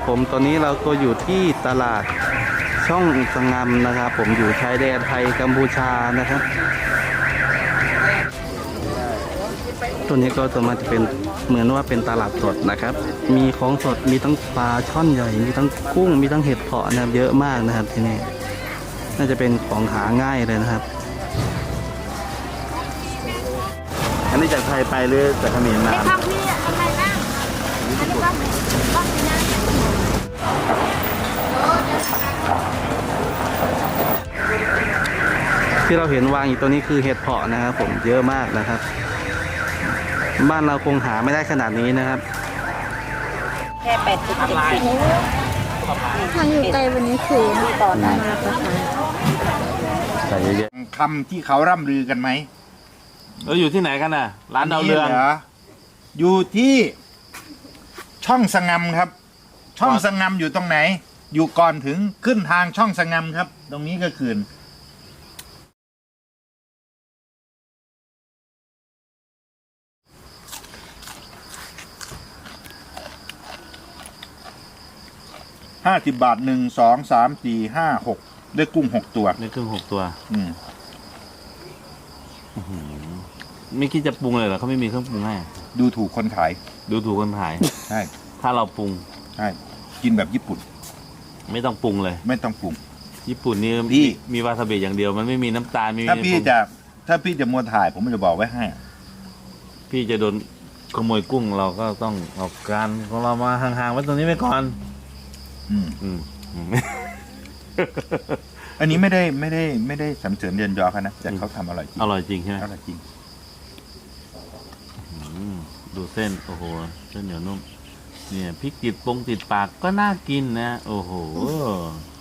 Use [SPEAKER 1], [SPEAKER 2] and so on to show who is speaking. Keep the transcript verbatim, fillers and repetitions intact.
[SPEAKER 1] ผมตอนนี้เราก็อยู่ที่ตลาดช่องสงามนะครับผมอยู่ชายแดนไทยกัมพูชานะครับตัวนี้ก็จะมาจะเป็นเหมือนว่าเป็นตลาดสดนะครับ มีของสดมีทั้งปลาช่อนใหญ่มีทั้งกุ้งมีทั้งเห็ดเผาะนะครับเยอะมากนะครับที่นี่น่าจะเป็นของหาง่ายเลยนะครับอันนี้จากไทยไปหรือจากเขมรมา
[SPEAKER 2] ข้าวพี่อะไรบ้างอันนี้ข้าวข้าวนะ
[SPEAKER 1] ที่เราเห็นวางอยู่ตัวนี้คือเห็ดเผาะนะครับผมเยอะมากนะครับบ้านเราคงหาไม่ได้ขนาดนี้นะครับ
[SPEAKER 2] แค่แปดสิบเจ็ดสิบ
[SPEAKER 3] ทางอยู่ไกลวันนี้คือตอนนั้นรับประทาน
[SPEAKER 1] ใส่เยอะ
[SPEAKER 4] คำที่เขาร่ำลือกันไหม
[SPEAKER 1] ๆเราอยู่ที่ไหนกันน่ะร้านดาวเรือง
[SPEAKER 4] หอยู่ที่ช่องสงำครับ ช่องสงำอยู่ตรงไหน อยู่ก่อนถึงขึ้นทางช่องสงำครับ ตรงนี้ก็คือห้าสิบบาทหนึ่งสองสามสี่ห้าหกได้กุ้งหกตัว
[SPEAKER 1] นี่ครึ่งหกตัว
[SPEAKER 4] อืม
[SPEAKER 1] ไม่คิดจะปรุงเลยเหรอเขาไม่มีเครื่องปรุงให้
[SPEAKER 4] ดูถูกคนขาย
[SPEAKER 1] ดูถูกคนขาย
[SPEAKER 4] ใช่
[SPEAKER 1] ถ้าเราปรุง
[SPEAKER 4] ใช่กินแบบญี่ปุ่น
[SPEAKER 1] ไม่ต้องปรุงเลย
[SPEAKER 4] ไม่ต้องปรุง
[SPEAKER 1] ญี่ปุ่นนี่
[SPEAKER 4] พี่
[SPEAKER 1] มีวาซาบิอย่างเดียวมันไม่มีน้ำตาลไม่มี
[SPEAKER 4] ถ้าพี่จะถ้าพี่จะมัวถ่าย ผมจะบอกไว้ให้
[SPEAKER 1] พี่จะโดนขโมยกุ้งเราก็ต้องเอาการของเรามาห่างๆไว้ตรงนี้ไว้ก่อน
[SPEAKER 4] อืม
[SPEAKER 1] อืมอืม
[SPEAKER 4] อันนี้ไม่ได้ไม่ได้ไม่ได้สำเสริญเรียนยอเขานะแต่เขาทำอร่อยจริง
[SPEAKER 1] อร่อยจริงใช่ไหม
[SPEAKER 4] อร่อยจริง
[SPEAKER 1] อืมดูเส้นโอ้โหเส้นเหนียวนุ่มเนี่ยพริกติดปงติดปากก็น่ากินนะ โอ้โห